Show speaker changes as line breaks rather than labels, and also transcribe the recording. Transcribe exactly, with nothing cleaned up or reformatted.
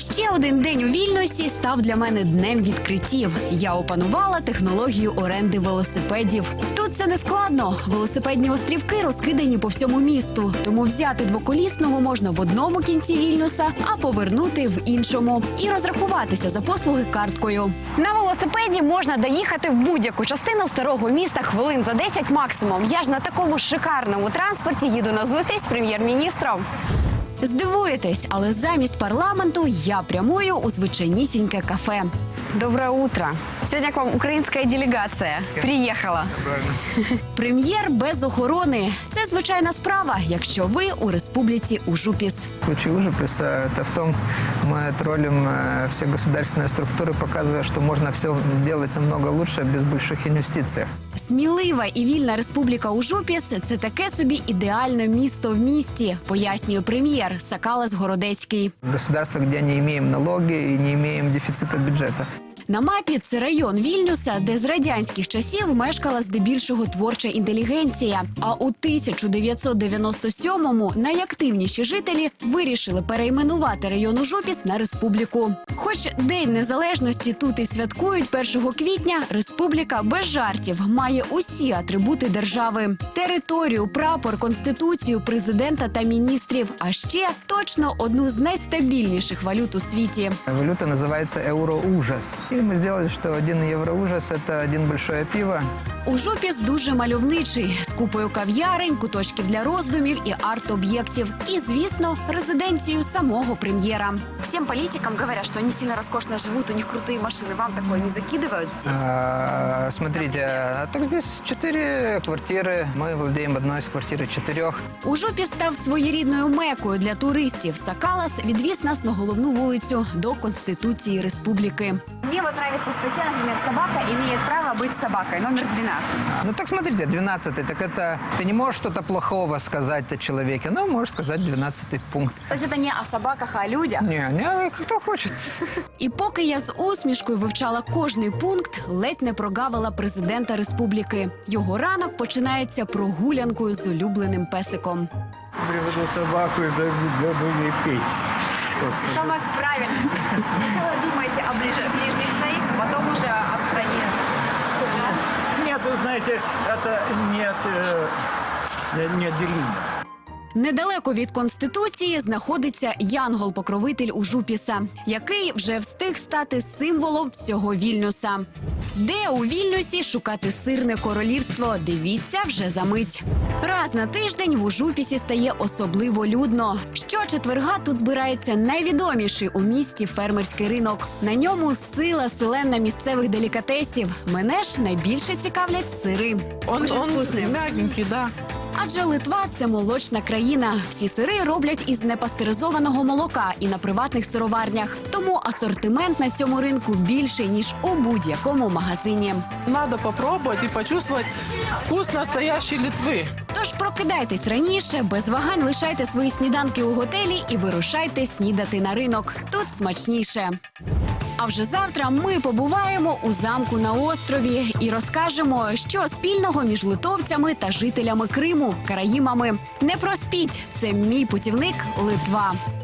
Ще один день у Вільнюсі став для мене днем відкриттів. Я опанувала технологію оренди велосипедів. Тут це не складно. Велосипедні острівки розкидані по всьому місту. Тому взяти двоколісного можна в одному кінці Вільнюса, а повернути в іншому. І розрахуватися за послуги карткою. На велосипеді можна доїхати в будь-яку частину старого міста хвилин за десять максимум. Я ж на такому шикарному транспорті їду на зустріч з прем'єр-міністром. Здивуєтесь, але замість парламенту я прямую у звичайнісіньке кафе. Доброе утро. Сьогодні к вам українська делегація приїхала. Прем'єр без охорони – це звичайна справа, якщо ви у республіці Ужупіс.
Случай Ужуписа – это в том, мы троллим все государственные структуры, показывая, что можно все делать намного лучше без больших инвестиций.
Смілива і вільна республіка Ужупіс – це таке собі ідеальне місто в місті, пояснює прем'єр Сакалас Городецький.
Государство, где не имеем налоги и не имеем дефицита бюджета.
На мапі це район Вільнюса, де з радянських часів мешкала здебільшого творча інтелігенція. А у тисяча дев'ятсот дев'яносто сьомому найактивніші жителі вирішили перейменувати район Ужупіс на республіку. Хоч День Незалежності тут і святкують першого квітня, республіка без жартів має усі атрибути держави. Територію, прапор, конституцію, президента та міністрів. А ще точно одну з найстабільніших валют у світі.
Валюта называется евроужас. И мы сделали, что один евроужас – это один большое пиво.
Ужупіс дуже мальовничий, з купою кав'ярень, куточків для роздумів і арт-об'єктів. І, звісно, резиденцію самого прем'єра. Всім політикам говорять, що вони сильно розкошно живуть, у них круті машини. Вам такое не закидывают здесь?
А, смотрите, а так здесь четыре квартиры. Мы владеем одной из квартир четырех.
Ужупіс став своєрідною мекою для туристів. Сакалас відвіз нас на головну вулицю до Конституції Республіки. Мені вот нравится стаття, наприклад, собака має право бути собакою, номер двенадцать.
Ну так смотрите, двенадцатый, так это ты не можешь что-то плохого сказать о человеке, но можешь сказать двенадцатый пункт.
То есть это не о собаках, а о людях?
Не, не, кто хочет.
І поки я з усмішкою вивчала кожний пункт, ледь не прогавила президента республіки. Його ранок починається прогулянкою з улюбленим песиком.
Приведу собаку и буду ей петь.
Саме правильно. Сначала думайте о ближ- ближних своих, а потом уже о стране.
Нет, вы знаете, это нет, э, неотделимо.
Недалеко від Конституції знаходиться Янгол-покровитель Ужупіса, який вже встиг стати символом всього Вільнюса. Де у Вільнюсі шукати сирне королівство, дивіться вже за мить. Раз на тиждень в Ужупісі стає особливо людно. Щочетверга тут збирається найвідоміший у місті фермерський ринок. На ньому сила селена місцевих делікатесів. Мене ж найбільше цікавлять сири.
Он, он мягенький, да.
Адже Литва – це молочна країна. Всі сири роблять із непастеризованого молока і на приватних сироварнях. Тому асортимент на цьому ринку більший, ніж у будь-якому магазині.
Надо попробовать и почувствовать вкус настоящей Литвы.
Тож прокидайтесь раніше, без вагань лишайте свої сніданки у готелі і вирушайте снідати на ринок. Тут смачніше. А вже завтра ми побуваємо у замку на острові і розкажемо, що спільного між литовцями та жителями Криму, караїмами. Не проспіть, це мій путівник Литва.